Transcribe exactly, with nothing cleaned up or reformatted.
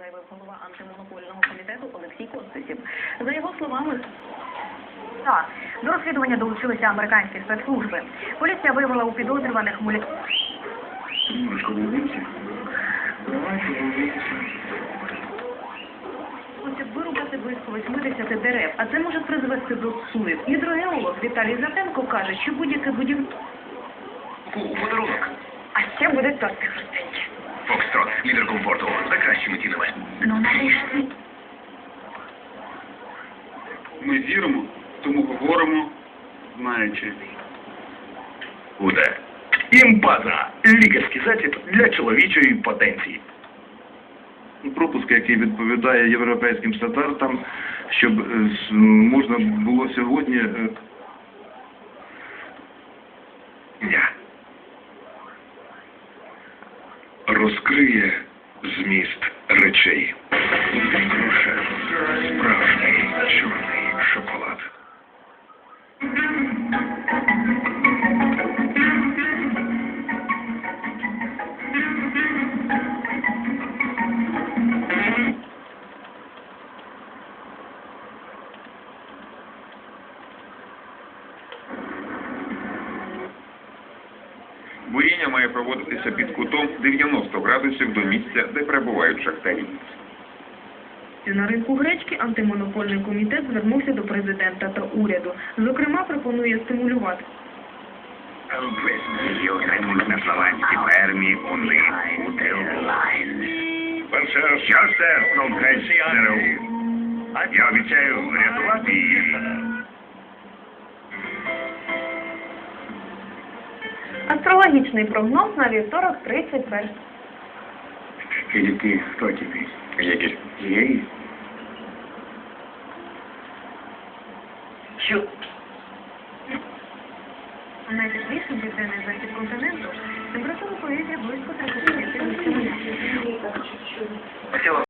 заявив голова антимонопольного комітету Олексій Костисів. За його словами, Так, до розслідування долучилися американські спецслужби. Поліція виявила у підозрюваних мулі... Хочуть вирубати близько восьмидесяти дерев, а це може призвести до суїв. Гідрогеолог Віталій Затенко каже, що будь-яке будівництво... У подарунок. А ще будуть торти хрустенькі. Фокстрот, лідер комфорту, за кращими цінами. Ну, нарешті. Ми віримо, тому говоримо, знаючи. Уде. Імпаза. Лікарський засіб для чоловічої потенції. Пропуск, який відповідає європейським стандартам, щоб е, з- можна було сьогодні е, Я. Розкриє зміст речей. Груша. Справжній чорний шоколад. Буріння має проводитися під кутом дев'яносто градусів до місця, де перебувають шахтарі. на ринку гречки антимонопольний комітет звернувся до президента та уряду. Зокрема, пропонує стимулювати Весь отримують на славянській фермі вони щастя, ДРУ. Я обіцяю врятувати її. Астрологічний прогноз на вівторок тридцять першого. Или ты кто теперь? Егерь. Егерь? Що? Найтепліший південний захід континенту температура повітря близько тридцяти п'яти градусів.